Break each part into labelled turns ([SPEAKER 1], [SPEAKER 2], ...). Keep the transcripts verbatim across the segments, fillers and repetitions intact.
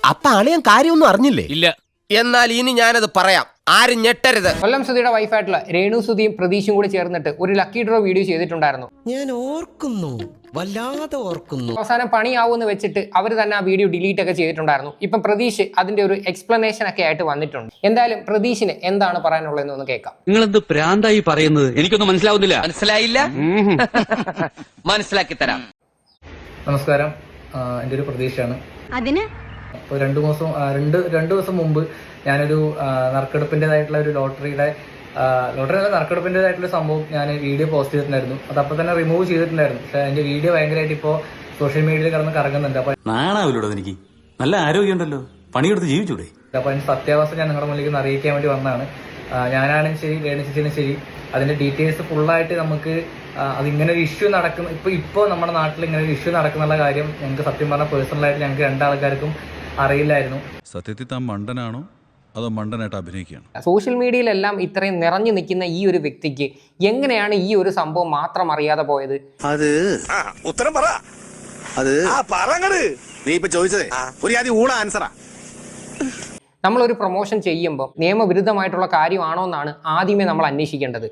[SPEAKER 1] അപ്പൊ അളിയൻ കാര്യമൊന്നും അറിഞ്ഞില്ലേ?
[SPEAKER 2] ഇല്ല.
[SPEAKER 1] എന്നാൽ ഇനി ഞാനത് പറയാം, ആരും ഞെട്ടരുത്.
[SPEAKER 3] കൊല്ലം സുധിയുടെ വൈഫായിട്ടുള്ള രേണു സുധിയും പ്രതീഷും കൂടി ചേർന്നിട്ട് ഒരു ലക്കി ഡ്രോ വീഡിയോ ചെയ്തിട്ടുണ്ടായിരുന്നു.
[SPEAKER 4] ഞാൻ ഓർക്കുന്നു, വല്ലാതെ ഓർക്കുന്നു.
[SPEAKER 3] അവസാനം പണിയാവൂന്ന് വെച്ചിട്ട് അവർ തന്നെ ആ വീഡിയോ ഡിലീറ്റ് ഒക്കെ ചെയ്തിട്ടുണ്ടായിരുന്നു. ഇപ്പം പ്രതീഷ് അതിന്റെ ഒരു എക്സ്പ്ലനേഷൻ ഒക്കെ ആയിട്ട് വന്നിട്ടുണ്ട്. എന്തായാലും പ്രതീഷിന് എന്താണ് പറയാനുള്ളതെന്ന് ഒന്ന് കേൾക്കാം.
[SPEAKER 2] നിങ്ങൾ എന്ത് പ്രാന്തായി പറയുന്നത്? എനിക്കൊന്നും മനസ്സിലാവുന്നില്ല. മനസ്സിലായില്ല? മനസ്സിലാക്കി തരാം.
[SPEAKER 5] നമസ്കാരം, എൻ്റെ ഒരു പ്രതീക്ഷയാണ്.
[SPEAKER 6] അതിന്
[SPEAKER 5] ഇപ്പോൾ രണ്ട് ദിവസം രണ്ട് രണ്ട് ദിവസം മുമ്പ് ഞാനൊരു നറുക്കെടുപ്പിൻ്റെതായിട്ടുള്ള ഒരു ലോട്ടറിയുടെ ലോട്ടറി അല്ല നറുക്കെടുപ്പിൻ്റെതായിട്ടുള്ള സംഭവം ഞാൻ വീഡിയോ പോസ്റ്റ് ചെയ്തിട്ടുണ്ടായിരുന്നു. അത് അപ്പോൾ തന്നെ റിമൂവ് ചെയ്തിട്ടുണ്ടായിരുന്നു. പക്ഷേ എൻ്റെ വീഡിയോ ഭയങ്കരമായിട്ട് ഇപ്പോൾ സോഷ്യൽ മീഡിയയിൽ കിടന്ന് കറങ്ങുന്നുണ്ട്. അപ്പോൾ
[SPEAKER 7] നാണാവില്ലൂടെ എനിക്ക്? നല്ല ആരോഗ്യമുണ്ടല്ലോ, പണിയെടുത്ത് ജീവിച്ചൂടെ?
[SPEAKER 5] അപ്പോൾ അതിൻ്റെ സത്യാവസ്ഥ ഞാൻ നിങ്ങളുടെ മുന്നിലേക്ക് അറിയിക്കാൻ വേണ്ടി വന്നതാണ്. ഞാനാണെങ്കിൽ ശരി, രേണുചേച്ചിയും ശരി, അതിൻ്റെ ഡീറ്റെയിൽസ് ഫുള്ളായിട്ട് നമുക്ക് അതിങ്ങനെ ഒരു ഇഷ്യൂ നടക്കുന്ന ഇപ്പോൾ ഇപ്പോൾ നമ്മുടെ നാട്ടിൽ ഇങ്ങനെ ഒരു ഇഷ്യൂ നടക്കുന്നുള്ള കാര്യം ഞങ്ങൾക്ക് സത്യം പറഞ്ഞാൽ പേഴ്സണലായിട്ട് ഞങ്ങൾക്ക് രണ്ടാൾക്കാർക്കും അറിയില്ലായിരുന്നു.
[SPEAKER 7] സത്യത്തിൽ താൻ മണ്ടനാണോ അതോ മണ്ടനായിട്ട് അഭിനയിക്കുകയാണ്?
[SPEAKER 3] സോഷ്യൽ മീഡിയയിലെല്ലാം ഇത്രയും നിറഞ്ഞു നിൽക്കുന്ന ഈ ഒരു വ്യക്തിക്ക് എങ്ങനെയാണ് ഈ ഒരു സംഭവം മാത്രം അറിയാതെ പോയത്?
[SPEAKER 8] അത് ഉത്തരം പറ. അത് നീ ഇപ്പൊ ചോദിച്ചതേ ഒരു ആദ്യം ഊള ആൻസറാ.
[SPEAKER 3] നമ്മളൊരു പ്രൊമോഷൻ ചെയ്യുമ്പോൾ നിയമവിരുദ്ധമായിട്ടുള്ള കാര്യമാണോ എന്നാണ് ആദ്യമേ നമ്മൾ അന്വേഷിക്കേണ്ടത്.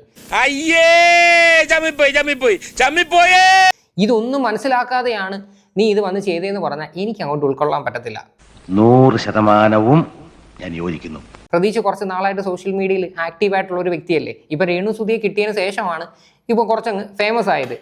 [SPEAKER 3] ഇതൊന്നും മനസ്സിലാക്കാതെയാണ് നീ ഇത് വന്ന് ചെയ്തതെന്ന് പറഞ്ഞാൽ എനിക്ക് അങ്ങോട്ട് ഉൾക്കൊള്ളാൻ പറ്റത്തില്ല.
[SPEAKER 9] നൂറ് ശതമാനവും ഞാൻ യോജിക്കുന്നു.
[SPEAKER 3] പ്രതീക്ഷ കുറച്ച് നാളായിട്ട് സോഷ്യൽ മീഡിയയിൽ ആക്റ്റീവ് ആയിട്ടുള്ള ഒരു വ്യക്തിയല്ലേ. ഇപ്പൊ രേണു സുധിയെ കിട്ടിയതിന് ശേഷമാണ് ഇപ്പൊ കുറച്ചങ്ങ് ഫേമസ് ആയത്.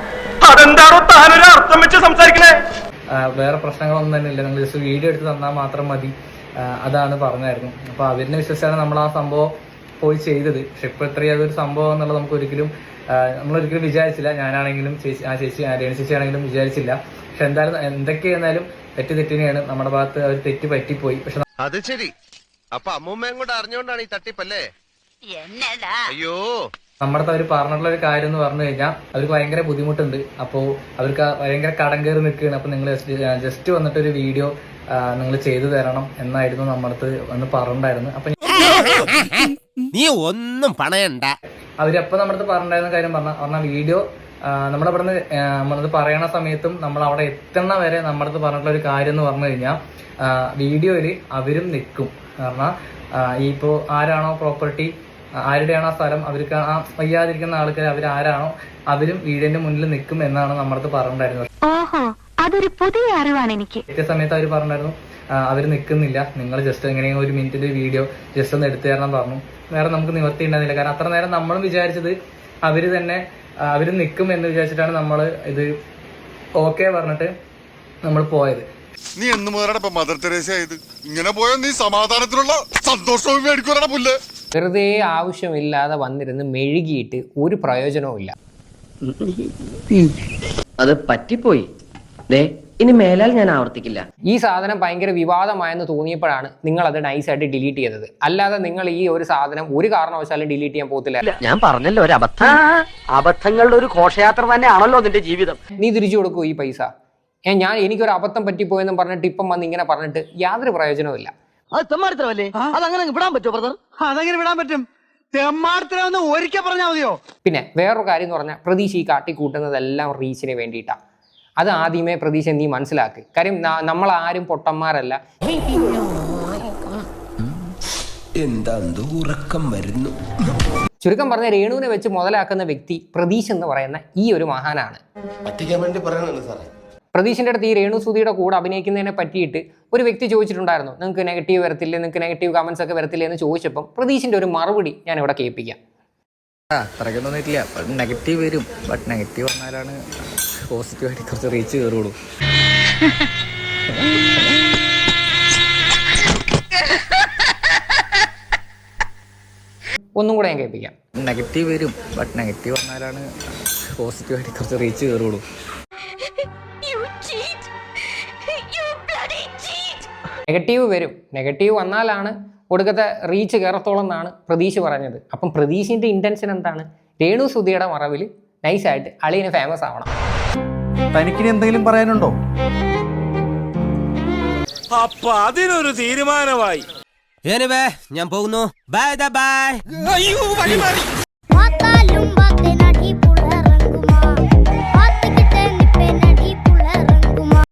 [SPEAKER 5] വേറെ പ്രശ്നങ്ങളൊന്നും തന്നെ ഇല്ല, നിങ്ങൾ ജസ്റ്റ് വീഡിയോ എടുത്ത് തന്നാൽ മാത്രം മതി, അതാണ് പറഞ്ഞായിരുന്നു. അപ്പൊ അവരിനെ വിശ്വസിച്ചാണ് നമ്മൾ ആ സംഭവം പോയി ചെയ്തത്. പക്ഷെ ഇപ്പൊ ഇത്രയും അതൊരു സംഭവം എന്നുള്ളത് നമുക്ക് ഒരിക്കലും നമ്മളൊരിക്കലും വിചാരിച്ചില്ല. ഞാനാണെങ്കിലും ചേച്ചി ആ ചേച്ചി രേണു ചേച്ചി ആണെങ്കിലും വിചാരിച്ചില്ല. പക്ഷെ എന്തായാലും എന്തൊക്കെയായിരുന്നാലും തെറ്റ് തെറ്റിനെയാണ്, നമ്മുടെ ഭാഗത്ത് ഒരു തെറ്റ് പറ്റിപ്പോയി. പക്ഷെ
[SPEAKER 8] അത് ശരി, അപ്പൊ അമ്മൂമ്മയും കൂടെ അറിഞ്ഞുകൊണ്ടാണ് ഈ തട്ടിപ്പല്ലേ? അയ്യോ,
[SPEAKER 5] നമ്മുടെ അവർ പറഞ്ഞിട്ടുള്ള ഒരു കാര്യം എന്ന് പറഞ്ഞു കഴിഞ്ഞാൽ അവർക്ക് ഭയങ്കര ബുദ്ധിമുട്ടുണ്ട്. അപ്പോൾ അവർക്ക് ഭയങ്കര കടം കയറി നിൽക്കുകയാണ്. അപ്പൊ നിങ്ങൾ ജസ്റ്റ് വന്നിട്ട് ഒരു വീഡിയോ നിങ്ങൾ ചെയ്തു തരണം എന്നായിരുന്നു നമ്മുടെ അടുത്ത് വന്ന് പറഞ്ഞിട്ടുണ്ടായിരുന്നു. അപ്പൊ
[SPEAKER 1] നീ ഒന്നും പണയണ്ട.
[SPEAKER 5] അവരപ്പൊ നമ്മുടെ അടുത്ത് പറഞ്ഞിട്ടുണ്ടായിരുന്ന കാര്യം പറഞ്ഞ പറഞ്ഞ വീഡിയോ നമ്മുടെ ഇവിടെ നിന്ന് നമ്മളത് പറയണ സമയത്തും നമ്മൾ അവിടെ എത്തണ വരെ നമ്മുടെ അടുത്ത് പറഞ്ഞിട്ടുള്ള ഒരു കാര്യം എന്ന് പറഞ്ഞു കഴിഞ്ഞാൽ വീഡിയോയിൽ അവരും നിൽക്കും. കാരണം ഈ ഇപ്പോൾ ആരാണോ പ്രോപ്പർട്ടി, ആരുടെയാണോ ആ സ്ഥലം, അവർക്ക് ആ വയ്യാതിരിക്കുന്ന ആൾക്കാർ അവരാരാണോ അവരും വീടിന്റെ മുന്നിൽ നിൽക്കും എന്നാണ് നമ്മുടെ അടുത്ത് പറഞ്ഞിട്ടുണ്ടായിരുന്നത്.
[SPEAKER 6] അതൊരു പുതിയ അറിവാണ് എനിക്ക്.
[SPEAKER 5] എത്തിയ സമയത്ത് അവർ പറഞ്ഞിരുന്നു അവർ നിൽക്കുന്നില്ല, നിങ്ങൾ ജസ്റ്റ് എങ്ങനെയും ഒരു മിനിറ്റിന്റെ വീഡിയോ ജസ്റ്റ് ഒന്ന് എടുത്തു തരണം പറഞ്ഞു. വേറെ നമുക്ക് നിവർത്തി ഉണ്ടായിരുന്നില്ല. കാരണം അത്ര നേരം നമ്മളും വിചാരിച്ചത് അവര് തന്നെ അവര് നിൽക്കും എന്ന് വിചാരിച്ചിട്ടാണ് നമ്മൾ ഇത് ഓക്കെ പറഞ്ഞിട്ട് നമ്മൾ പോയത്.
[SPEAKER 8] നീ എന്ന് മുതലാണ് മദർ തെരേസ ആയത്? ഇങ്ങനെ പോയാ നീ സമാധാനത്തിനുള്ള സന്തോഷവും മേടിക്കൂടാ പുല്ല്.
[SPEAKER 3] വെറുതെ ആവശ്യമില്ലാതെ വന്നിരുന്ന് മെഴുകിയിട്ട് ഒരു പ്രയോജനവും ഇല്ല.
[SPEAKER 10] അത് പറ്റിപ്പോയി, ഇനി മേലാൽ ഞാൻ ആവർത്തിക്കില്ല.
[SPEAKER 3] ഈ സാധനം ഭയങ്കര വിവാദമായെന്ന് തോന്നിയപ്പോഴാണ് നിങ്ങൾ അത് നൈസായിട്ട് ഡിലീറ്റ് ചെയ്തത്. അല്ലാതെ നിങ്ങൾ ഈ ഒരു സാധനം ഒരു കാരണവശാലും ഡിലീറ്റ് ചെയ്യാൻ പോകത്തില്ല.
[SPEAKER 10] ഞാൻ പറഞ്ഞല്ലോ, ഒരു അബദ്ധം. അബദ്ധങ്ങളുടെ ഒരു ഘോഷയാത്ര തന്നെയാണല്ലോ നിന്റെ ജീവിതം.
[SPEAKER 3] നീ തിരിച്ചു കൊടുക്കൂ ഈ പൈസ. ഏ ഞാൻ എനിക്കൊരു അബദ്ധം പറ്റിപ്പോയെന്ന് പറഞ്ഞിട്ട് ഇപ്പം വന്ന് ഇങ്ങനെ പറഞ്ഞിട്ട് യാതൊരു പ്രയോജനവും ഇല്ല.
[SPEAKER 10] അത് തെമ്മാടിത്തരമല്ലേ? അതങ്ങനെ വിടാൻ പറ്റുമോ ബ്രദർ?
[SPEAKER 4] അതെങ്ങനെ വിടാൻ പറ്റും? തെമ്മാടിത്തരമെന്ന് ഒരിക്കൽ പറഞ്ഞാൽ മതിയോ?
[SPEAKER 3] പിന്നെ വേറൊരു കാര്യം എന്ന് പറഞ്ഞാൽ പ്രതീക്ഷ ഈ കാട്ടിക്കൂട്ടുന്നതെല്ലാം റീച്ചിന് വേണ്ടിയിട്ടാണ്. അത് ആദ്യമേ പ്രതീക്ഷ നീ മനസ്സിലാക്ക്. കാര്യം നമ്മൾ ആരും പൊട്ടന്മാരല്ല.
[SPEAKER 1] എന്താ ഉറക്കം വരുന്നു.
[SPEAKER 3] ചുരുക്കം പറഞ്ഞ രേണുവിനെ വെച്ച് മുതലാക്കുന്ന വ്യക്തി പ്രതീഷ് എന്ന് പറയുന്ന ഈ ഒരു മഹാനാണ്. പ്രതീഷിന്റെ അടുത്ത് ഈ രേണു സുധിയുടെ കൂടെ അഭിനയിക്കുന്നതിനെ പറ്റിയിട്ട് ഒരു വ്യക്തി ചോദിച്ചിട്ടുണ്ടായിരുന്നു, നിങ്ങൾക്ക് നെഗറ്റീവ് വരത്തില്ലേ, നിങ്ങൾക്ക് നെഗറ്റീവ് കമന്റ്സ് ഒക്കെ വരത്തില്ലേ എന്ന് ചോദിച്ചപ്പം പ്രതീഷിന്റെ ഒരു മറുപടി ഞാൻ ഇവിടെ കേൾപ്പിക്കാം.
[SPEAKER 11] അത്രയ്ക്കൊന്നും തോന്നിയിട്ടില്ല. നെഗറ്റീവ് വരും, ബട്ട് നെഗറ്റീവ് വന്നാലാണ് പോസിറ്റീവായിട്ട് കുറച്ച് റീച്ച് കയറുള്ളൂ.
[SPEAKER 3] ഒന്നും കൂടെ ഞാൻ കേൾപ്പിക്കാം.
[SPEAKER 11] നെഗറ്റീവ് വരും, ബട്ട് നെഗറ്റീവ് വന്നാലാണ് പോസിറ്റീവായിട്ട് കുറച്ച് റീച്ച് കയറുള്ളൂ.
[SPEAKER 3] നെഗറ്റീവ് വരും, നെഗറ്റീവ് വന്നാലാണ് ഒടുക്കത്തെ റീച്ച് കയറത്തോളം എന്നാണ് പ്രതീഷ് പറഞ്ഞത്. അപ്പം പ്രതീഷിന്റെ ഇന്റൻഷൻ എന്താണ്? രേണു സുധിയുടെ മറവിൽ നൈസായിട്ട് അളിയന് ഫേമസ് ആവണം.
[SPEAKER 4] തനിക്കിനി എന്തെങ്കിലും പറയാനുണ്ടോ?
[SPEAKER 2] അപ്പൊ അതിനൊരു തീരുമാനമായി.
[SPEAKER 1] ഞാൻ പോകുന്നു. Bye bye. അയ്യോ വഴി മാറി.